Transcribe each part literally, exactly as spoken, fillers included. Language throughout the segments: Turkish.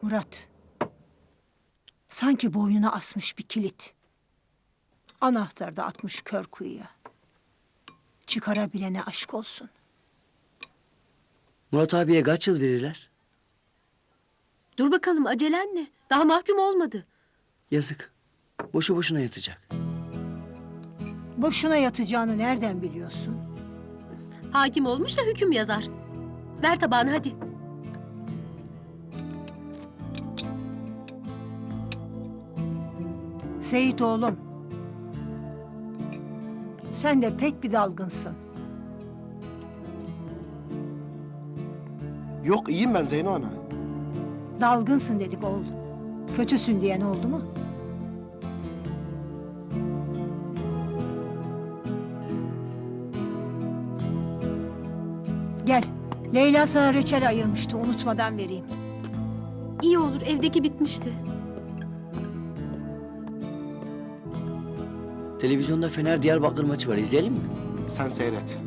Murat. Sanki boynuna asmış bir kilit. Anahtar da atmış kör kuyuya. Çıkarabilene aşk olsun. Murat abiye kaç yıl verirler? Dur bakalım, acelen ne? Daha mahkum olmadı. Yazık. Boşu boşuna yatacak. Boşuna yatacağını nereden biliyorsun? Hakim olmuş da hüküm yazar. Ver tabağını hadi. Seyit oğlum. Sen de pek bir dalgınsın. Yok, iyiyim ben Zeyno ana. Dalgınsın dedik oğlum. Kötüsün diyen oldu mu? Gel. Leyla sana reçel ayırmıştı. Unutmadan vereyim. İyi olur, evdeki bitmişti. Televizyonda Fener Diyarbakır maçı var. İzleyelim mi? Sen seyret.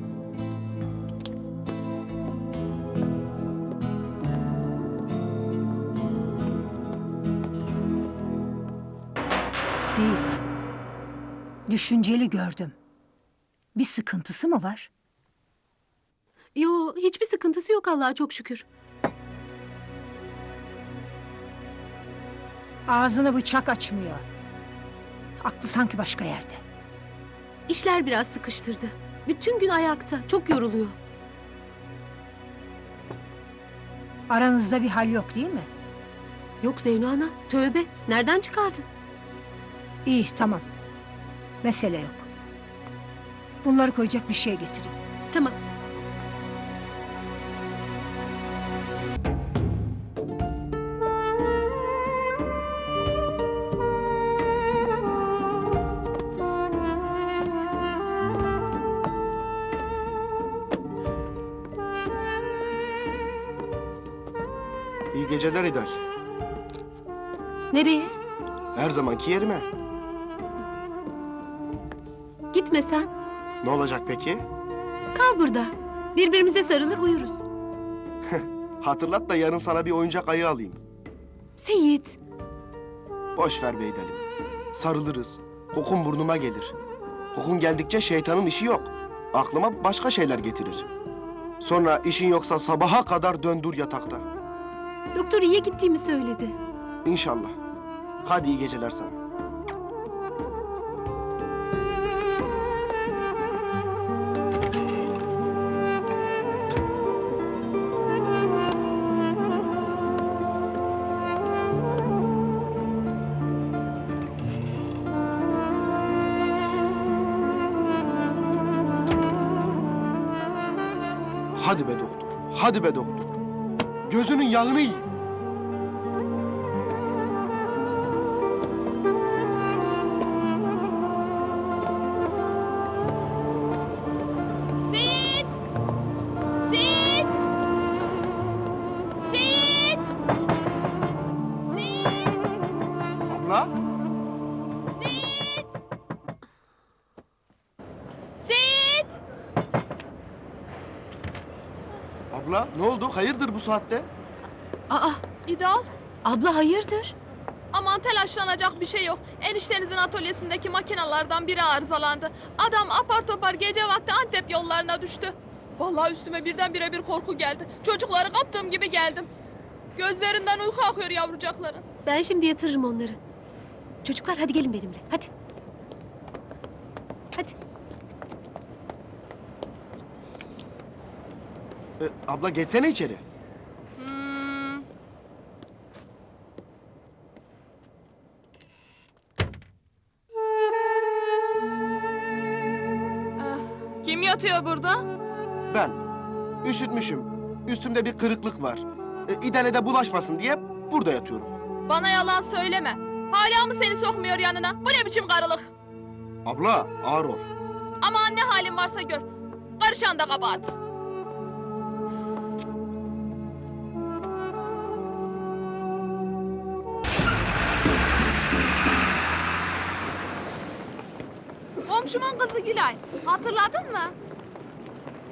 Seyit. Düşünceli gördüm. Bir sıkıntısı mı var? Yo, hiçbir sıkıntısı yok Allah'a çok şükür. Ağzını bıçak açmıyor. Aklı sanki başka yerde. İşler biraz sıkıştırdı. Bütün gün ayakta, çok yoruluyor. Aranızda bir hal yok değil mi? Yok Zeyno ana, tövbe. Nereden çıkardın? İyi, tamam. Mesele yok. Bunları koyacak bir şey getireyim. Tamam. İyi geceler İdal. Nereye? Her zamanki yerime. Gitme sen. Ne olacak peki? Kal burada. Birbirimize sarılır uyuruz. Hatırlat da yarın sana bir oyuncak ayı alayım. Seyit. Boş ver be İdal'im. Sarılırız. Kokun burnuma gelir. Kokun geldikçe şeytanın işi yok. Aklıma başka şeyler getirir. Sonra işin yoksa sabaha kadar döndür yatakta. Doktor iyiye gittiğimi söyledi. İnşallah. Hadi iyi geceler sana. Hadi be doktor. Hadi be doktor. Gözünün yağını yiyin. Seyit! Seyit! Seyit! Seyit! Abla. Seyit! Seyit! Abla ne oldu? Hayırdır bu saatte? Aa, İdal, abla hayırdır? aman telaşlanacak bir şey yok. Eniştenizin atölyesindeki makinelerden biri arızalandı. Adam apar topar gece vakti Antep yollarına düştü. Vallahi üstüme birdenbire bir korku geldi. Çocukları kaptığım gibi geldim. Gözlerinden uyku akıyor yavrucakların. Ben şimdi yatırırım onları. Çocuklar hadi gelin benimle, hadi. Hadi. Ee, abla geçsene içeri. Hmm. Ah, kim yatıyor burada? Ben. Üşütmüşüm. Üstümde bir kırıklık var. Ee, İdal'e de bulaşmasın diye burada yatıyorum. Bana yalan söyleme. Hala mı seni sokmuyor yanına? Bu ne biçim karılık? Abla ağır ol. Aman ne halin varsa gör. Karışan da kabahat. Komşumun kızı Gülay. Hatırladın mı?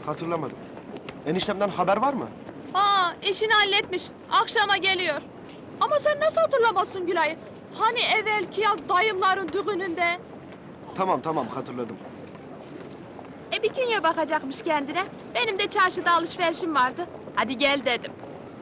Hatırlamadım. Eniştemden haber var mı? Ha, işini halletmiş. Akşama geliyor. Ama sen nasıl hatırlamazsın Gülay'ı? Hani evvelki yaz dayımların düğününde? Tamam tamam hatırladım. E bir künye bakacakmış kendine. Benim de çarşıda alışverişim vardı. Hadi gel dedim.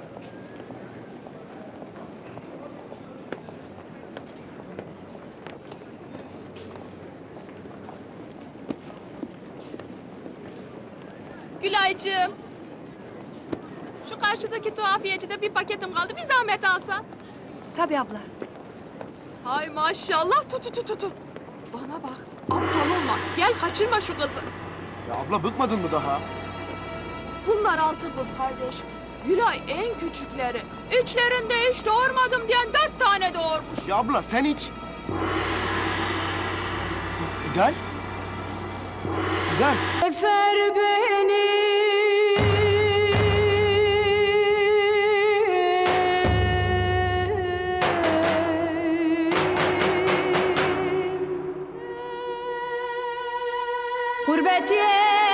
Gülaycığım. Şu karşıdaki tuhafiyecide bir paketim kaldı. Bir zahmet alsa. Tabii abla. Hay maşallah tutu tutu tutu. Bana bak. Aptal olma. Gel kaçırma şu kızı. Ya abla bıkmadın mı daha? Bunlar altı kız kardeş. Gülay en küçükleri. Üçlerinde hiç doğurmadım diyen dört tane doğurmuş. Ya abla sen hiç... Gidel? Gidel. Efer beni. Gurbet